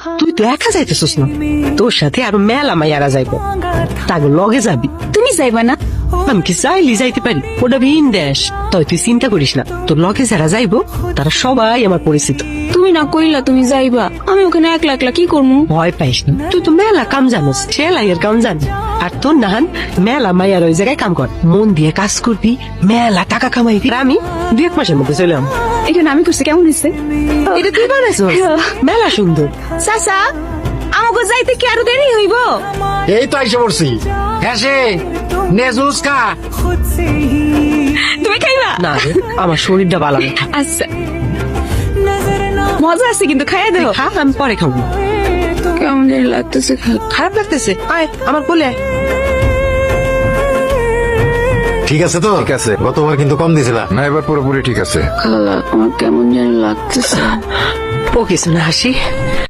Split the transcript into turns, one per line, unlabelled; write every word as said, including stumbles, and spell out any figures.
তুই তো একা যাইতেছিস না, তোর সাথে আরো মেলা মাইয়ারা যাইব, তাকে লগে যাবি।
তুমি যাইবা না?
আমি কি চাইলি যাইতে পারি? ওটা ভিন দেশ, তাই তুই চিন্তা করিস না, তোর লগে যারা যাইবো তারা সবাই আমার পরিচিত।
তুমি না কইলা তুমি যাইবা, আমি ওখানে একলা একলা কি করবো?
ভয় পাইস না, তুই তো মেলা কাম জানোস, সেলাইয়ের কাম জানি। আর তোর নাহান মেলা মাইয়ার ওই জায়গায় কাম কর, মন দিয়ে কাজ করবি, মেলা টাকা কামাইবি। আর আমি দুই এক মাসের মধ্যে চলে আম।
এখানে আমি করছি কেমন হয়েছে?
এটা তুই বানাইছ, মেলা সুন্দর।
চাচা আমাকে যাইতে কি আরো দেরি হইব?
এই তো আইসে পড়ছি। হ্যাঁ নেজুস কা
তুমি খাইবা
না রে, আমার শরীরটা ভালো না।
আচ্ছা মজা আছে কিন্তু খাইয়া দেবো।
খা, আমি পরে খাবো।
কেমন জানি লাগতেছে।
খারাপ লাগতেছে, আয় আমার কোলে আয়।
ঠিক আছে তো?
ঠিক আছে।
গতবার কিন্তু কম দিছিলা।
না, এবার পুরোপুরি ঠিক আছে।
খালা আমার কেমন জানি লাগতেছে।
ও কিছু না হাসি,